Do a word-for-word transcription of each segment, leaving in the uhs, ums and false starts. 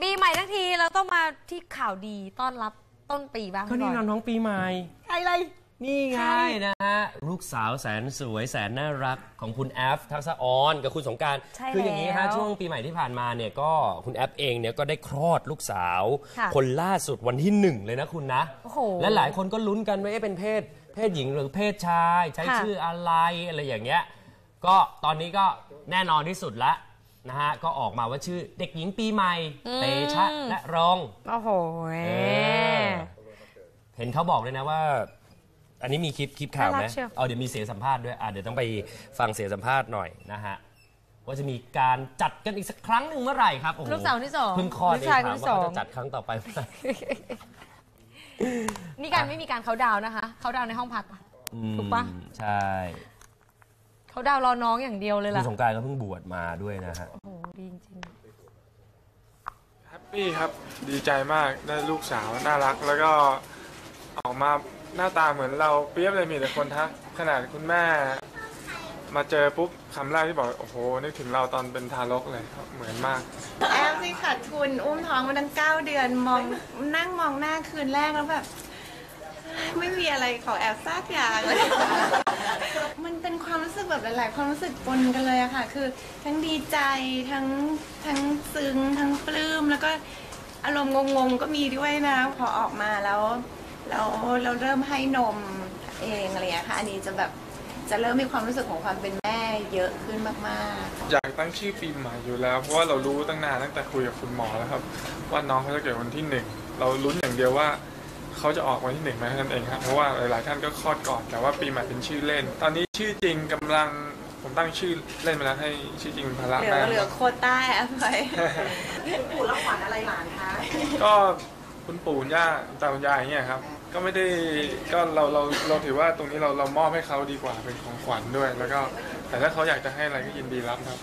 ปีใหม่ทั้งทีเราต้องมาที่ข่าวดีต้อนรับต้นปีบ้างก็นี่น้องปีใหม่ใครเลยนี่ไงนะฮะลูกสาวแสนสวยแสนน่ารักของคุณแอฟทักษะออนกับคุณสงกรานต์คืออย่างนี้ฮะช่วงปีใหม่ที่ผ่านมาเนี่ยก็คุณแอฟเองเนี่ยก็ได้คลอดลูกสาวคนล่าสุดวันที่หนึ่งเลยนะคุณนะและหลายคนก็ลุ้นกันว่าเป็นเพศเพศหญิงหรือเพศชายใช้ชื่ออะไรอะไรอย่างเงี้ยก็ตอนนี้ก็แน่นอนที่สุดละนะฮะก็ออกมาว่าชื่อเด็กหญิงปีใหม่เตชะและรองโอ้โหเห็นเขาบอกเลยนะว่าอันนี้มีคลิปคลิปข่าวไหมเอาเดี๋ยวมีเสียงสัมภาษณ์ด้วยอ่ะเดี๋ยวต้องไปฟังเสียงสัมภาษณ์หน่อยนะฮะว่าจะมีการจัดกันอีกสักครั้งหนึ่งเมื่อไหร่ครับลูกสาวที่สองเพิ่งคลอดเองถามว่าเขาจะจัดครั้งต่อไปเมื่อไหร่นี่การไม่มีการเขาดาวนะคะเขาดาวในห้องพักถูกปะใช่เขาดาวรอน้องอย่างเดียวเลยล่ะคุณสงกรานต์ก็เพิ่งบวชมาด้วยนะฮะโอ้โหดีจริงแฮปปี้ครับดีใจมากได้ลูกสาวน่ารักแล้วก็ออกมาหน้าตาเหมือนเราเปี๊ยบเลยมีแต่คนทักขนาดคุณแม่มาเจอปุ๊บคำแรกที่บอกโอ้โหนึกถึงเราตอนเป็นทารกเลยครับเหมือนมากแอฟสิขาดทุนอุ้มท้องมาตั้งเก้าเดือนมองนั่งมองหน้าคืนแรกแล้วแบบไม่มีอะไรของแอฟซากอย่างเลยมันเป็นความรู้สึกแบบหลายๆความรู้สึกปนกันเลยอะค่ะคือทั้งดีใจทั้งทั้งซึ้งทั้งปลื้มแล้วก็อารมณ์งงๆก็มีด้วยนะพอออกมาแล้วเราเราเริ่มให้นมเองอะไรอย่างเงี้ยค่ะอันนี้จะแบบจะเริ่มมีความรู้สึกของความเป็นแม่เยอะขึ้นมากๆอยากตั้งชื่อปีใหม่อยู่แล้วเพราะว่าเรารู้ตั้งนานตั้งแต่คุยกับคุณหมอแล้วครับว่าน้องเขาจะเกิดวันที่หนึ่งเราลุ้นอย่างเดียวว่าเขาจะออกวันที่หนึ่งไหมนั่นเองครับเพราะว่าหลายๆท่านก็คลอดก่อนแต่ว่าปีใหม่เป็นชื่อเล่นตอนนี้ชื่อจริงกำลังผมตั้งชื่อเล่นไปแล้วให้ชื่อจริงภาระแม่เหลือโคต้าแอปไปปู่รับขวัญอะไรหลานคะก็คุณปู่ย่าตาคุณยายอย่างเงี้ยครับก็ไม่ได้ก็เราเราเราถือว่าตรงนี้เราเรามอบให้เขาดีกว่าเป็นของขวัญด้วยแล้วก็แต่ถ้าเขาอยากจะให้อะไรก็ยินดีรับครับ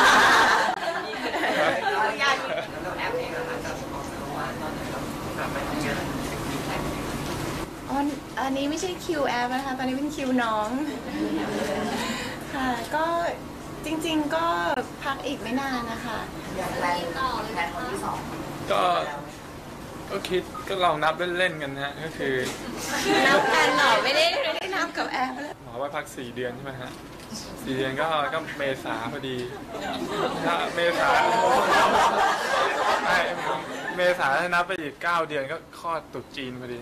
อ๋ออันนี้ไม่ใช่คิวแอปนะคะตอนนี้เป็นคิวน้องค่ะก็จริงๆก็พักอีกไม่นานนะคะแพลนต่อเลยแพลนคนที่สองก็ก็คิดก็ลองนับเล่นๆกันนะก็คือนับกันหรอไม่ได้ไม่ได้นับกับแอปหมอว่าพักสี่เดือนใช่ไหมฮะสี่เดือนก็ก็เมษาพอดีถ้าเมษาเมษาถ้านับไปอีกเก้าเดือนก็คลอดตุ๊จีนพอดี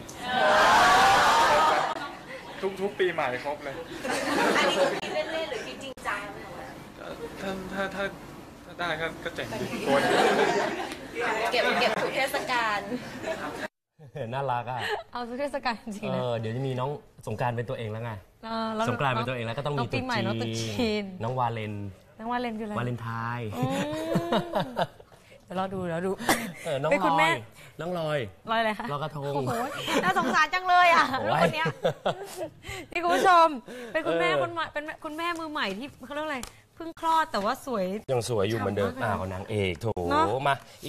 ทุกทุกปีใหม่ครบเลยอันนี้คือคิดเล่นๆหรือคิดจริงจังถ้าถ้าถ้าถ้าได้ก็ก็เจ๋งดีโกนเก็บเก็บทุกเทศกาลน่ารักอ่ะเอาทุกเทศกาลจริงๆนะเดี๋ยวจะมีน้องสงกรานต์เป็นตัวเองแล้วไงสงกรานต์เป็นตัวเองแล้วก็ต้องมีตุ๊จีนน้องวาเลนน้องวาเลนคืออะไรวาเลนไทน์เดี๋ยวรอดูแล้วดูน้องลอยน้องลอยลอยอะไรคะลอยกระทงโอ้โหน่าสงสารจังเลยอ่ะคนนี้นี่คุณผู้ชมเป็นคุณแม่คนใหม่เป็นคุณแม่มือใหม่ที่เขาเรียกอะไรเพิ่งคลอดแต่ว่าสวยยังสวยอยู่เหมือนเดิมอ่าของนางเอกโถมา